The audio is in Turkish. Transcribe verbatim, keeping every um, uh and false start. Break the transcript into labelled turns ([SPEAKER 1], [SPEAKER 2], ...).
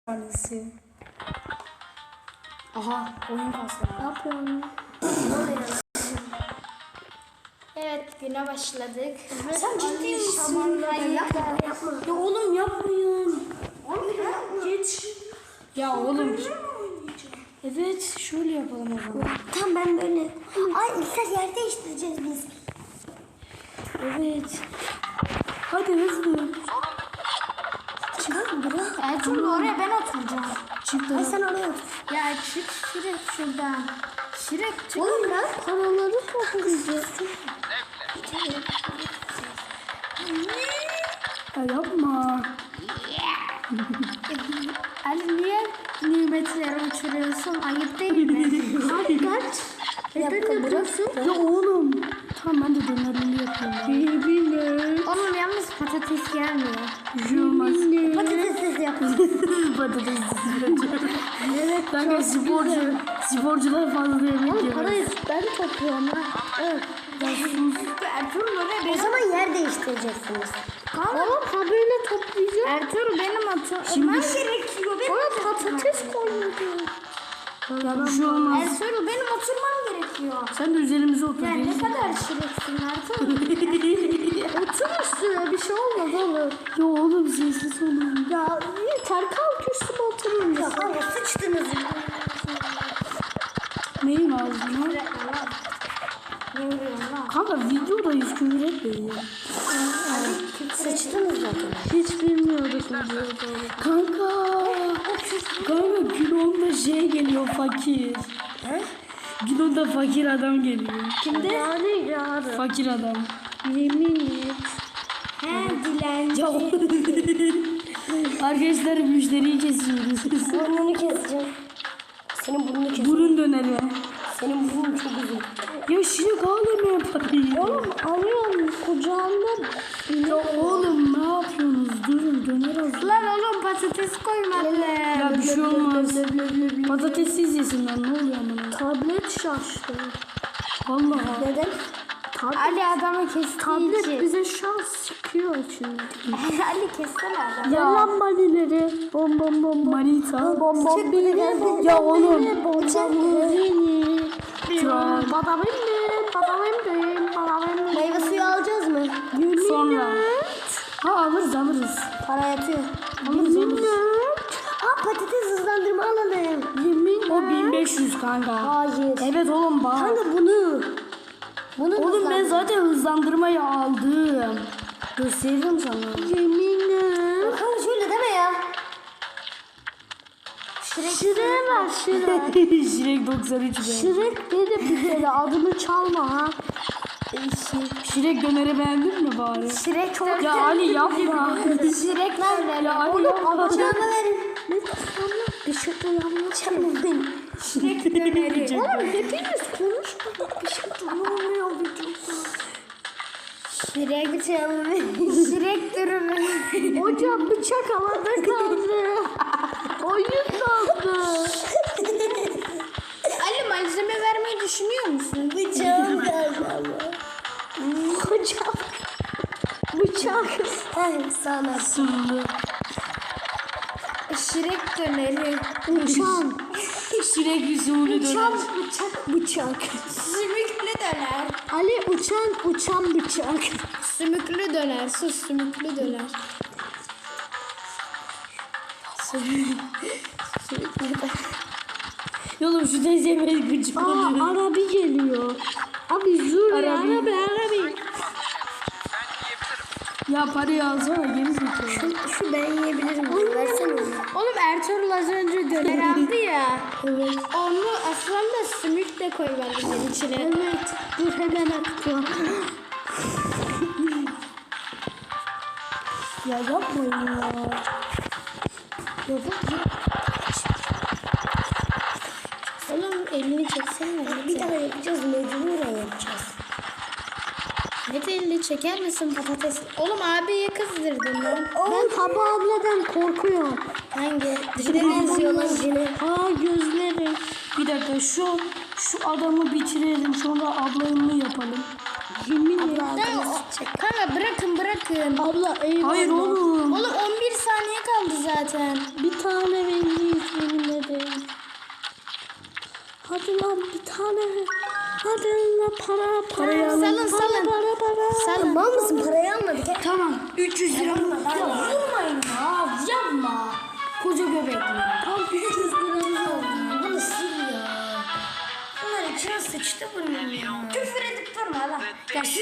[SPEAKER 1] Tanesi. Aha oyun kastı.
[SPEAKER 2] Ne yapıyorsun?
[SPEAKER 3] Evet, güne başladık.
[SPEAKER 1] Sen ciddi misin?
[SPEAKER 3] Hayır,
[SPEAKER 2] Yapma yapma.
[SPEAKER 1] Ya oğlum yapmayın.
[SPEAKER 2] Geç.
[SPEAKER 1] Ya oğlum. Evet şöyle yapalım o zaman.
[SPEAKER 2] Tamam ben böyle. Ay İlker yer değiştireceğiz biz.
[SPEAKER 1] Evet. Hadi hızlı.
[SPEAKER 2] Çıkar mı bura?
[SPEAKER 3] Ertuğrul oraya ben oturacağım.
[SPEAKER 1] Çık
[SPEAKER 2] Ay
[SPEAKER 1] da.
[SPEAKER 2] sen oraya otur.
[SPEAKER 3] Ya çık Şirek şuradan. Şirek çık.
[SPEAKER 2] Oğlum ben paraları toplayacağız.
[SPEAKER 1] Ya yapma.
[SPEAKER 3] Ali niye nimetleri uçuruyorsun? Ayıp değil mi?
[SPEAKER 1] Hadi kaç.
[SPEAKER 2] Neden yapıyorsun?
[SPEAKER 1] Ya oğlum. Tamam ben de dönerli yapıyorum. Birbirine.
[SPEAKER 3] Oğlum yalnız patates gelmiyor.
[SPEAKER 1] Bir şey olmaz.
[SPEAKER 2] Patatessiz yapıyorsun.
[SPEAKER 1] Patates. Evet. Kanka sporcu. Sporcular fazla yemek
[SPEAKER 2] Oğlum
[SPEAKER 1] yiyor.
[SPEAKER 2] parayı ben topluyorum ha. Evet.
[SPEAKER 3] Ertuğrul oraya
[SPEAKER 2] O
[SPEAKER 3] benim.
[SPEAKER 2] zaman yer değiştireceksiniz.
[SPEAKER 3] Oğlum ha böyle toplayacağım. Ertuğrul benim oturmam
[SPEAKER 1] Şimdi-
[SPEAKER 3] gerekiyor. Benim
[SPEAKER 2] Ona patates koyuyordu.
[SPEAKER 1] Ya bir şey olmaz.
[SPEAKER 3] Ertuğrul benim oturmam gerekiyor.
[SPEAKER 1] Sen de üzerimize otur.
[SPEAKER 3] Ya ne
[SPEAKER 1] değil mi?
[SPEAKER 3] kadar şireksin Ertuğrul.
[SPEAKER 2] Otur üstüne bir şey olmaz oğlum.
[SPEAKER 1] Ya oğlum sessiz olun.
[SPEAKER 2] Ya yeter kalk üstüme oturun. Ya kanka sıçtınız.
[SPEAKER 1] Neyin ağzına?
[SPEAKER 3] Ne vuruyorsun lan?
[SPEAKER 1] Kanka videodayız küfür etmeyin.
[SPEAKER 2] Sıçtınız zaten.
[SPEAKER 1] Hiç bilmiyorduk videoda. Kanka. Kanka gün onda şey geliyor fakir.
[SPEAKER 2] He?
[SPEAKER 1] Gün onda fakir adam geliyor.
[SPEAKER 2] Kimde? Yani yarın.
[SPEAKER 1] Fakir adam.
[SPEAKER 2] Yemin et.
[SPEAKER 3] He dilenci.
[SPEAKER 1] Ya arkadaşlar müşteriyi kesiyoruz.
[SPEAKER 2] Burnunu keseceğim. Senin burnunu keseceğim.
[SPEAKER 1] Burun döneri.
[SPEAKER 2] Senin burnun çok uzun.
[SPEAKER 1] Ya şirik ağlamaya parayı.
[SPEAKER 2] Oğlum alıyorum kucağımda.
[SPEAKER 1] Ya oğlum ne yapıyorsunuz? Durun döner hazır.
[SPEAKER 3] Lan oğlum patates koymadı.
[SPEAKER 1] Ya bir şey olmaz. Patatessiz yesinler ne oluyor amına?
[SPEAKER 2] Tablet şaştı.
[SPEAKER 1] Vallahi.
[SPEAKER 2] Neden?
[SPEAKER 3] Ali adamı kestiği
[SPEAKER 2] Tablet
[SPEAKER 3] için.
[SPEAKER 2] bize şans çıkıyor şimdi.
[SPEAKER 3] Ali kessene adamı.
[SPEAKER 1] Ya
[SPEAKER 2] Lan manileri. Bom bom bom bom.
[SPEAKER 1] manita.
[SPEAKER 2] Bom bom bom.
[SPEAKER 1] Ya oğlum.
[SPEAKER 2] Bom bom bom.
[SPEAKER 1] Tral.
[SPEAKER 2] Bada bim bada bim bada bim. Meyve suyu alacağız mı?
[SPEAKER 1] Sonra. Ha alırız alırız.
[SPEAKER 2] Para yatıyor.
[SPEAKER 1] Alırız alırız.
[SPEAKER 2] Aa patates hızlandırma alalım. Yemin
[SPEAKER 1] O bin beş yüz kanka.
[SPEAKER 2] Hayır.
[SPEAKER 1] Evet oğlum bak.
[SPEAKER 2] Kanka bunu. Bunu
[SPEAKER 1] Oğlum ben
[SPEAKER 2] hızlandır-
[SPEAKER 1] zaten hızlandırmayı aldım. Gösteririm sana.
[SPEAKER 2] Yeminle. Kanka şöyle deme ya. Şirek ver Şirek.
[SPEAKER 1] Şirek doksan üç be.
[SPEAKER 2] Şirek dedi bir kere adını çalma ha.
[SPEAKER 1] Şirek döneri beğendin mi bari?
[SPEAKER 2] Şirek çok
[SPEAKER 1] Ya Ali yapma.
[SPEAKER 2] Şirek ver.
[SPEAKER 1] Ya Ali
[SPEAKER 2] Oğlum
[SPEAKER 1] yapma.
[SPEAKER 2] alacağını verin. Ne çalma? Bir şey çalmayın.
[SPEAKER 3] Şirek döneri.
[SPEAKER 2] Oğlum hepiniz konuşmayın. Bir şey çalmıyor videoda.
[SPEAKER 3] Şirek çalmayın. Şirek dürümü.
[SPEAKER 2] Hocam bıçak havada kaldı. Oyun kaldı.
[SPEAKER 3] Ali malzeme vermeyi düşünüyor musun?
[SPEAKER 2] Bıçağım geldi ama. Bıçak. Bıçak. Hayır sana.
[SPEAKER 1] Sırlı.
[SPEAKER 3] Şirek döneri.
[SPEAKER 2] Uçan.
[SPEAKER 1] Şirek usulü
[SPEAKER 2] Uçan
[SPEAKER 1] döner.
[SPEAKER 2] bıçak bıçak.
[SPEAKER 3] Sümüklü döner.
[SPEAKER 2] Ali uçan uçan bıçak.
[SPEAKER 3] Sümüklü döner. Sus sümüklü döner.
[SPEAKER 1] Oğlum şu teyze beni gıcık
[SPEAKER 2] Aa
[SPEAKER 1] oluyor.
[SPEAKER 2] arabi geliyor. Abi dur ya
[SPEAKER 1] Arabi.
[SPEAKER 2] arabi arabi.
[SPEAKER 1] Ya parayı alsana geri zekalı.
[SPEAKER 2] Şu, şu ben yiyebilirim. Versene onu.
[SPEAKER 3] Oğlum Ertuğrul az önce döner aldı ya.
[SPEAKER 2] Evet.
[SPEAKER 3] Onu aslında sümük de koy bence içine.
[SPEAKER 2] Evet. Dur hemen akıyor.
[SPEAKER 1] Ya yapmayın ya.
[SPEAKER 2] Ya bak.
[SPEAKER 3] Oğlum elini çeksene.
[SPEAKER 2] Bir daha yapacağız. Mecburen yapacağız.
[SPEAKER 3] Hadi elini çeker misin patates? Oğlum abiye kızdırdın lan.
[SPEAKER 2] Ben Haba abladan korkuyorum.
[SPEAKER 3] Hangi?
[SPEAKER 2] Cine benziyor lan cine. Aa gözleri.
[SPEAKER 1] Bir dakika şu şu adamı bitirelim sonra ablayımı yapalım.
[SPEAKER 2] Yemin
[SPEAKER 3] Ya,
[SPEAKER 2] ederim.
[SPEAKER 3] o- kanka bırakın bırakın.
[SPEAKER 2] Abla eyvallah.
[SPEAKER 1] Hayır oğlum.
[SPEAKER 3] Oğlum on bir saniye kaldı. kaldı zaten.
[SPEAKER 1] Bir tane vereceğiz yemin ederim. Hadi lan bir tane. Hadi lan para para alın.
[SPEAKER 3] Salın,
[SPEAKER 1] para,
[SPEAKER 3] salın.
[SPEAKER 1] para para.
[SPEAKER 3] Salın.
[SPEAKER 2] Mal mısın? Parayı almadık. Hep.
[SPEAKER 1] Tamam. üç yüz lira mı?
[SPEAKER 2] Ya vurmayın ya. Yapma.
[SPEAKER 1] Koca göbekli.
[SPEAKER 2] Tam üç yüz liramız oldu. Bunu sil ya. Bunlar içine sıçtı bunun ya. Küfür edip durma lan. Ya siz